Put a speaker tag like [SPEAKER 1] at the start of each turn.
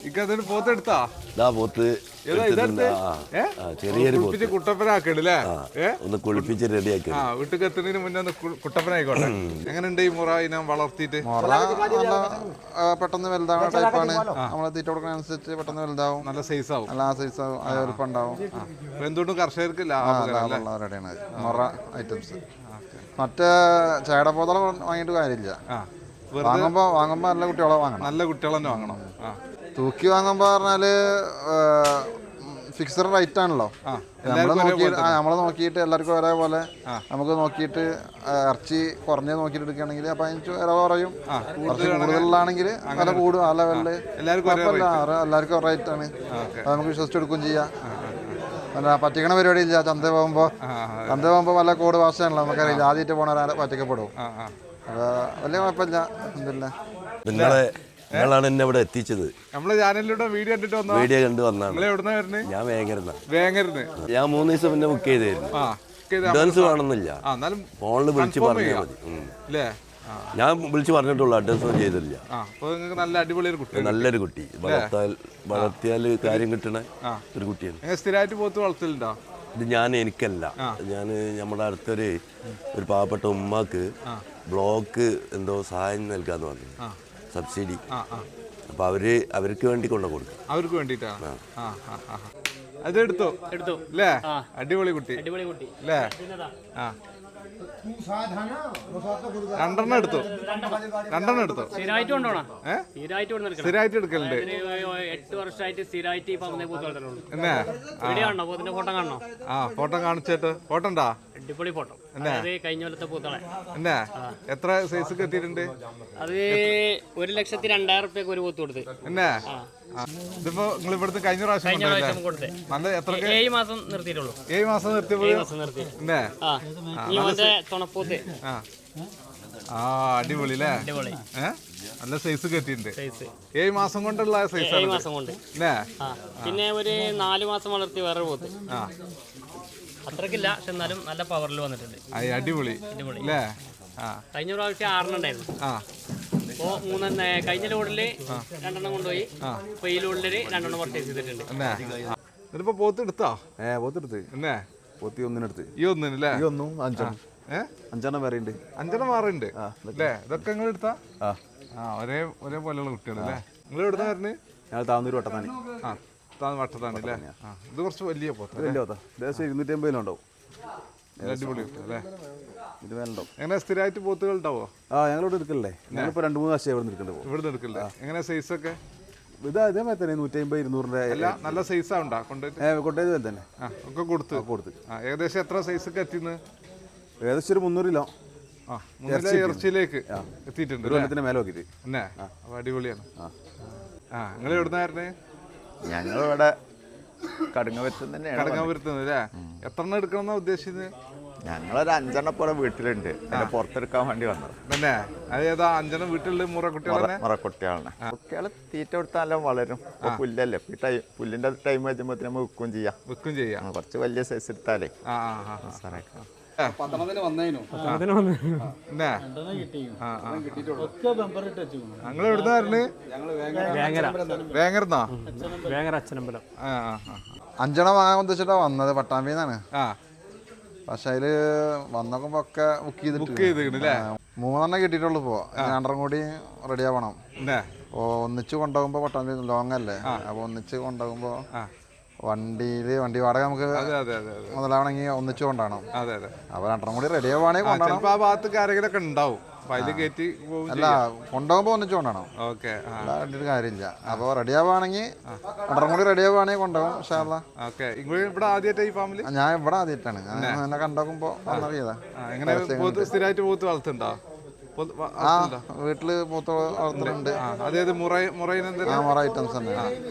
[SPEAKER 1] ഇക്കതിന് പോത്തെടുത്താ
[SPEAKER 2] പോത്ത്
[SPEAKER 1] ചെറിയൊരു കുട്ടപ്പനാക്കണല്ലേ
[SPEAKER 2] ഒന്ന് കുളിപ്പിച്ച് റെഡിയാക്കി
[SPEAKER 1] വീട്ടിൽ എത്തുന്നതിന് മുന്നേ ഒന്ന് കുട്ടപ്പനായിക്കോട്ടെ. എങ്ങനെയുണ്ട് ഈ മുറ ഇനം വളർത്തിയിട്ട്?
[SPEAKER 3] പെട്ടെന്ന് വലുതാവുന്ന ടൈപ്പാണ്. നമ്മളെ തീറ്റ കൊടുക്കുന്ന അനുസരിച്ച് പെട്ടെന്ന് വലുതാവും,
[SPEAKER 1] നല്ല സൈസ് ആവും,
[SPEAKER 3] നല്ല സൈസ് ആവും, വലുപ്പം ഉണ്ടാവും.
[SPEAKER 1] എന്തുകൊണ്ടും കർഷകർക്ക്
[SPEAKER 3] ലാഭമുള്ളവരുടെയാണ് മുറ ഐറ്റംസ്. മറ്റേ ചേടപ്പോതള വാങ്ങിയിട്ട് കാര്യമില്ല. വാങ്ങുമ്പോ നല്ല കുട്ടികളെ വാങ്ങണം,
[SPEAKER 1] നല്ല കുട്ടികളെ തന്നെ വാങ്ങണം.
[SPEAKER 3] തൂക്കി വാങ്ങുമ്പോ പറഞ്ഞാല് ഫിക്സഡ് റേറ്റ് ആണല്ലോ. നമ്മള് നോക്കിയിട്ട് എല്ലാവർക്കും ഒരേപോലെ നമുക്ക് നോക്കിയിട്ട് ഇറച്ചി കുറഞ്ഞത് നോക്കിയിട്ട് എടുക്കുകയാണെങ്കിൽ അപ്പൊ അതിന് വില കുറയും. കുറച്ച് കൂടുതലാണെങ്കിൽ വില കൂടും. ആ ലെവലില് എല്ലാവർക്കും റേറ്റ് ആണ്. നമുക്ക് വിശ്വസിച്ചെടുക്കുകയും ചെയ്യാം. അല്ല പറ്റിക്കണ പരിപാടി ഇല്ല. ചന്ത പോകുമ്പോ വല്ല കോഡ് ഭാഷയാണല്ലോ, നമുക്കറിയില്ല. ആദ്യമായിട്ട് പോണവരെ പറ്റിക്കപ്പെടും. അപ്പൊ വലിയ കുഴപ്പമില്ല.
[SPEAKER 2] നിങ്ങളാണ് എന്നെ ഇവിടെ എത്തിച്ചത്.
[SPEAKER 1] നമ്മളെ ചാനലിലൂടെ വീഡിയോ
[SPEAKER 2] കണ്ടു വന്നാണ്. ഞാൻ വേങ്ങരുന്ന് ഞാൻ 3 ദിവസം പിന്നെ ബുക്ക് ചെയ്തായിരുന്നു. അഡ്വാൻസ് വേണമെന്നില്ല, ഫോണിൽ വിളിച്ച് പറഞ്ഞാൽ മതി. ഞാൻ വിളിച്ച് പറഞ്ഞിട്ടുള്ളൂ, അഡ്വാൻസ് ഒന്നും ചെയ്തില്ല. നല്ലൊരു കുട്ടി, വളർത്തിയാൽ കാര്യം കിട്ടണ ഒരു കുട്ടിയാണ്.
[SPEAKER 1] സ്ഥിരമായിട്ട് പോത്ത് വളർത്തലുണ്ടോ?
[SPEAKER 2] ഇത് എനിക്കല്ല, ഞാൻ നമ്മുടെ അടുത്തൊരു പാവപ്പെട്ട ഉമ്മാക്ക് ബ്ലോക്ക് എന്തോ സഹായം നൽകാന്ന് പറഞ്ഞു, സബ്സിഡി. അപ്പൊ അവർക്ക് വേണ്ടി കൊടുക്കും.
[SPEAKER 1] അവർക്ക് വേണ്ടിട്ടാണ്. അത് എടുത്തു അല്ലേ? അടിപൊളി കുട്ടി അല്ലേ? രണ്ടെണ്ണം എടുത്തു. സ്ഥിരമായിട്ട് എടുക്കലുണ്ട്.
[SPEAKER 4] 8 വർഷമായിട്ട് സ്ഥിരമായിട്ട്
[SPEAKER 1] ഫോട്ടോ കാണിച്ചിട്ട്. ഫോട്ടോ ഉണ്ടാ?
[SPEAKER 4] അടിപൊളി ഫോട്ടോ. കഴിഞ്ഞ കൊല്ലത്തെ പൂത്തളെ
[SPEAKER 1] എന്നാ എത്ര സൈസ് എത്തിയിട്ടുണ്ട്?
[SPEAKER 4] അത് 1,02,000 റുപ്യക്ക് ഒരു പൂത്ത് കൊടുത്ത്.
[SPEAKER 1] എന്നാ ഇതിപ്പോ നിങ്ങൾ ഇവിടുത്തെ കഴിഞ്ഞ പ്രാവശ്യം
[SPEAKER 4] കൊടുത്തേ.
[SPEAKER 1] നല്ല എത്ര?
[SPEAKER 4] 7 മാസം നിർത്തിയിട്ടുള്ളൂ.
[SPEAKER 1] 7 മാസം നിർത്തി.
[SPEAKER 4] തുണപ്പൂത്ത്.
[SPEAKER 1] അടിപൊളി അല്ലേ? നല്ല സൈസ് കെട്ടിയിട്ടുണ്ട്. 7 മാസം കൊണ്ടുള്ള സൈസ്.
[SPEAKER 4] 7 മാസം കൊണ്ട്. പിന്നെ ഒരു 4 മാസം വളർത്തി വേറെ പോത്ത്. അത്രക്കില്ല, പക്ഷെ എന്നാലും നല്ല പവറിൽ വന്നിട്ടുണ്ട്.
[SPEAKER 1] അടിപൊളി അല്ലേ?
[SPEAKER 4] കഴിഞ്ഞ പ്രാവശ്യം 6 ഉണ്ടായിരുന്നു. അപ്പോ കഴിഞ്ഞ ലോഡില് 2 കൊണ്ടുപോയി. ഇപ്പൊ ഈ ലോഡില് 2 പർച്ചേസ് ചെയ്തിട്ടുണ്ട്.
[SPEAKER 1] ഇതിപ്പോ പോത്ത് എടുത്താ?
[SPEAKER 3] പോത്തെടുത്ത്
[SPEAKER 1] എന്നേ
[SPEAKER 3] പോത്തി ഒന്നിനെടുത്ത്.
[SPEAKER 1] ഈ ഒന്നിനല്ലേ?
[SPEAKER 3] ഈ ഒന്നും 5 വേറെ ഉണ്ട്.
[SPEAKER 1] 5 മാറുണ്ട് അല്ലേ? ഇതൊക്കെ നിങ്ങൾ എടുത്താ? ഒരേപോലെയുള്ള കുട്ടികളല്ലേ? നിങ്ങൾ എവിടുന്ന വരുന്നത്?
[SPEAKER 3] ഞാൻ താന്നൂർ വട്ടത്താണി.
[SPEAKER 1] വട്ടത്താണ് അല്ലേ? ഇത് കുറച്ച് വലിയ പോത്ത്.
[SPEAKER 3] 250 ഉണ്ടാവും.
[SPEAKER 1] അടിപൊളി അല്ലേ?
[SPEAKER 3] ഇത് വേണ്ടോ?
[SPEAKER 1] എങ്ങനെ സ്ഥിരമായിട്ട് പോത്തുകൾ ഉണ്ടാവോ?
[SPEAKER 3] ഞങ്ങളിവിടെ എടുക്കല്ലേ. ഞങ്ങളിപ്പോ 2-3 വർഷം ഇവിടെ
[SPEAKER 1] എടുക്കല്ലേ? എങ്ങനെ സൈസ് ഒക്കെ?
[SPEAKER 3] ഇതേമാതിരി തന്നെ 150-200
[SPEAKER 1] നല്ല സൈസാ ഉണ്ടാ
[SPEAKER 3] കൊണ്ടുപോയത് തന്നെ
[SPEAKER 1] ഒക്കെ കൊടുത്ത്. ഏകദേശം എത്ര സൈസ് ഒക്കെ എത്തിന്ന്?
[SPEAKER 3] ഏകദേശം ഒരു 300 കിലോ
[SPEAKER 1] ഇറച്ചിയിലേക്ക് എത്തിയിട്ടുണ്ട്.
[SPEAKER 3] ഒരു കൊല്ലത്തിന് മേലെ നോക്കിട്ട്.
[SPEAKER 1] എന്നേ അടിപൊളിയാണ്. നിങ്ങൾ എവിടുന്നായിരുന്നേ?
[SPEAKER 5] ഞങ്ങളിവിടെ കടുങ്ങപുരത്ത്
[SPEAKER 1] അല്ലേ? എത്ര എണ്ണം എടുക്കണം ഉദ്ദേശിച്ചത്?
[SPEAKER 5] ഞങ്ങളൊരു 5 പോലെ വീട്ടിലുണ്ട്. പുറത്തെടുക്കാൻ വേണ്ടി വന്നത്
[SPEAKER 1] തന്നെ. അതേതാ 5 വീട്ടിലുള്ള മുറക്കുട്ടികളാണ്?
[SPEAKER 5] കുട്ടികളെ തീറ്റ കൊടുത്താൽ നല്ല വളരും. പുല്ലല്ലേ, പുല്ലിന്റെ ടൈം വെച്ചുമ്പോ നമ്മൾ വിൽക്കും ചെയ്യാം. കുറച്ച് വലിയ സൈസ് എടുത്താലേ
[SPEAKER 1] ഞങ്ങൾ എവിടുന്നായിരുന്നു? വേങ്ങരന്നാ?
[SPEAKER 3] 5 വാങ്ങാൻ ഉദ്ദേശിച്ചിട്ടാ വന്നത്, പട്ടാമ്പിന്നാണ്. പക്ഷെ അതില് വന്നോക്കുമ്പോ ഒക്കെ ബുക്ക് ചെയ്തിട്ട് 3 കിട്ടിയിട്ടുള്ളൂ. ഇപ്പോ 2 കൂടി റെഡി ആവണം. ഒന്നിച്ച് കൊണ്ടുപോകുമ്പോ പട്ടാമ്പി ലോങ് അല്ലേ, അപ്പൊ ഒന്നിച്ച് കൊണ്ടുപോകുമ്പോ വണ്ടി വാടക നമുക്ക് മുതലാവണമെങ്കിൽ ഒന്നിച്ചു കൊണ്ടാണ്. അപ്പൊ 2 കൂടി റെഡി ആവുകയാണെങ്കിൽ
[SPEAKER 1] ഉണ്ടാവും.
[SPEAKER 3] അല്ല, കൊണ്ടുപോകുമ്പോ ഒന്നിച്ചു കൊണ്ടാണോ? കാര്യമില്ല. അപ്പൊ റെഡി ആവുകയാണെങ്കിൽ 2 കൂടി റെഡി ആവുകയാണെങ്കിൽ കൊണ്ടുപോകും. ഞാൻ ഇവിടെ ആദ്യമായിട്ടാണ്. ഞാൻ കണ്ടോക്കുമ്പോ വന്നറിയതാ. വീട്ടില് പോത്ത് വളർത്തുന്നുണ്ട്.
[SPEAKER 1] മുറ ഐറ്റംസ് തന്നെ.